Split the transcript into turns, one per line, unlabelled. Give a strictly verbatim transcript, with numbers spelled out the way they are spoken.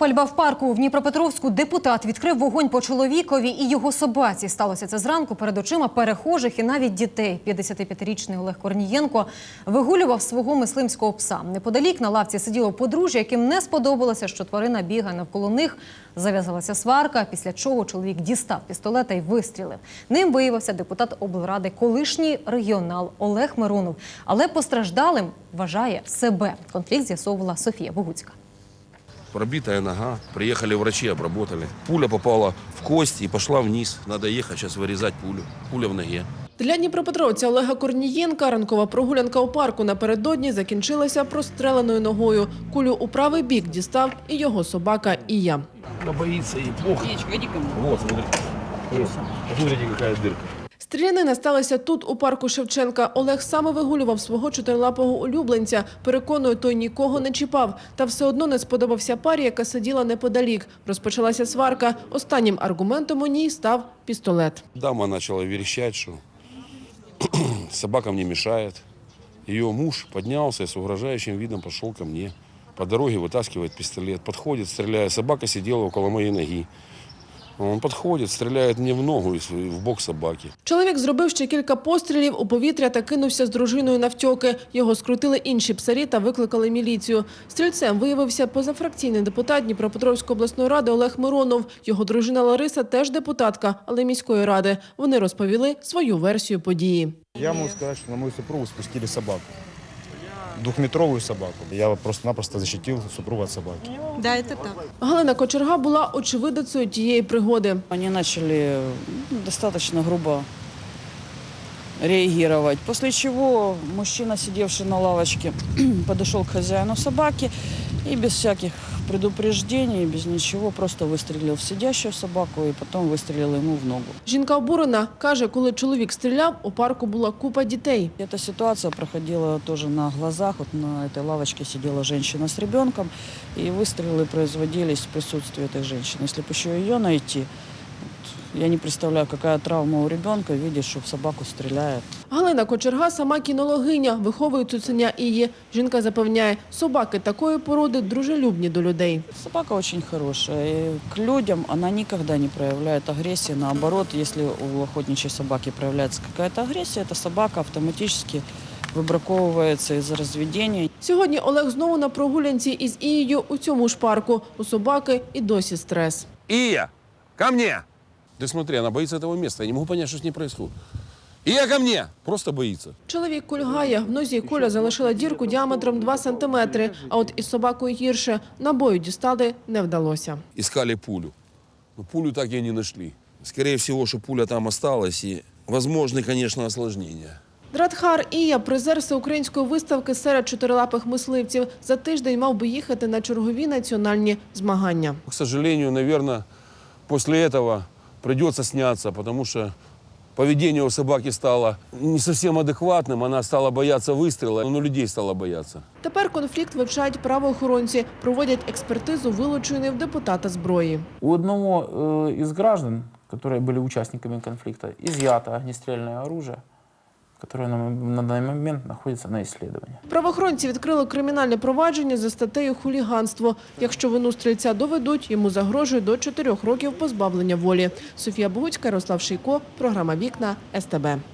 Пальба в парку в Дніпропетровську. Депутат відкрив вогонь по чоловікові і його собаці. Сталося це зранку перед очима перехожих і навіть дітей. п'ятдесятип'ятирічний Олег Корнієнко вигулював свого мисливського пса. Неподалік на лавці сиділо подружжя, яким не сподобалося, що тварина бігає навколо них. Зав'язалася сварка, після чого чоловік дістав пістолета і вистрілив. Ним виявився депутат облради, колишній регіонал Олег Миронов. Але постраждалим вважає себе. Конфлікт з'ясовувала Софія Богуцька.
Пробитая нога. Приехали врачи, обработали. Пуля попала в кость и пошла вниз. Надо ехать сейчас вырезать пулю. Пуля в ноге.
Для дніпропетровця Олега Корнієнка ранкова прогулянка у парку напередодні закінчилася простреленою ногою. Кулю у правий бік дістав і його собака Ія.
Она боится и плохо. Вот, смотри. Смотрите, какая дырка.
Стрілянина сталася тут, у парку Шевченка. Олег саме вигулював свого чотирилапого улюбленця. Переконує, той нікого не чіпав. Та все одно не сподобався парі, яка сиділа неподалік. Розпочалася сварка. Останнім аргументом у ній став пістолет.
Дама начала верещать, что собака мне мешает. Ее муж поднялся и с угрожающим видом пошел ко мне. По дороге вытаскивает пистолет, подходит, стреляет. Собака сидела около моей ноги. Он підходить, стріляє мені в ногу і в бок собаки.
Чоловік зробив ще кілька пострілів у повітря та кинувся з дружиною навтьоки. Його скрутили інші псарі та викликали міліцію. Стрільцем виявився позафракційний депутат Дніпропетровської обласної ради Олег Миронов. Його дружина Лариса теж депутатка, але міської ради. Вони розповіли свою версію події.
Я можу сказати, що на мою супругу спустили собаку. Двухметровую собаку. Я просто-напросто защитил супругу от собаки.
Да, это так.
Галина Кочерга була очевидицею тієї пригоди.
Они начали достаточно грубо реагировать, после чего мужчина, сидевший на лавочке, подошел к хозяину собаки и без всяких предупреждений, без ничего, просто выстрелил в сидящую собаку и потом выстрелил ему в ногу.
Жінка обурена, каже, коли чоловік стріляв, у парку була купа дітей.
Эта ситуация проходила тоже на глазах. Вот на этой лавочке сидела женщина с ребенком, и выстрелы производились в присутствии этой женщины. Если бы еще ее найти, я не представляю, какая травма у ребенка, видишь, что в собаку стреляет.
Галина Кочерга сама кінологиня, виховує цуценя Ії. Жінка запевняє, собаки такої породи дружелюбні до людей.
Собака очень хорошая. И к людям она никогда не проявляет агрессии. Наоборот, если у охотничьей собаки проявляется какая-то агрессия, эта собака автоматически вибраковується із розведення.
Сьогодні Олег знову на прогулянці із Ією у цьому ж парку. У собаки і досі стрес.
Ия, ко мне! Ты смотри, она боится этого места. Я не могу понять, что с ней происходит. Ия, ко мне! Просто боится.
Чоловік кульгає. В нозі куля залишила дірку діаметром два сантиметри. А от із собакою гірше. Набою дістали не вдалося.
Искали пулю. Но пулю так и не нашли. Скорее всего, что пуля там осталась и возможны, конечно, осложнения.
Драдхар Ія – призер всеукраїнської виставки серед чотирилапих мисливців. За тиждень мав би їхати на чергові національні змагання.
К сожалению, наверное, после этого придется сняться, потому что поведение у собаки стало не совсем адекватным, она стала бояться выстрела, но людей стала бояться.
Тепер конфлікт вивчають правоохоронці, проводять експертизу вилученої в депутата зброї.
У одного э, из граждан, которые были участниками конфликта, изъято огнестрельное оружие, которое на, на данный момент находится на исследовании.
Правоохоронці відкрили кримінальне провадження за статтею «Хуліганство». Якщо вину стрільця доведуть, йому загрожує до чотирьох років позбавлення волі. Софія Богуцька, Ярослав Шийко, програма «Вікна», ес те бе.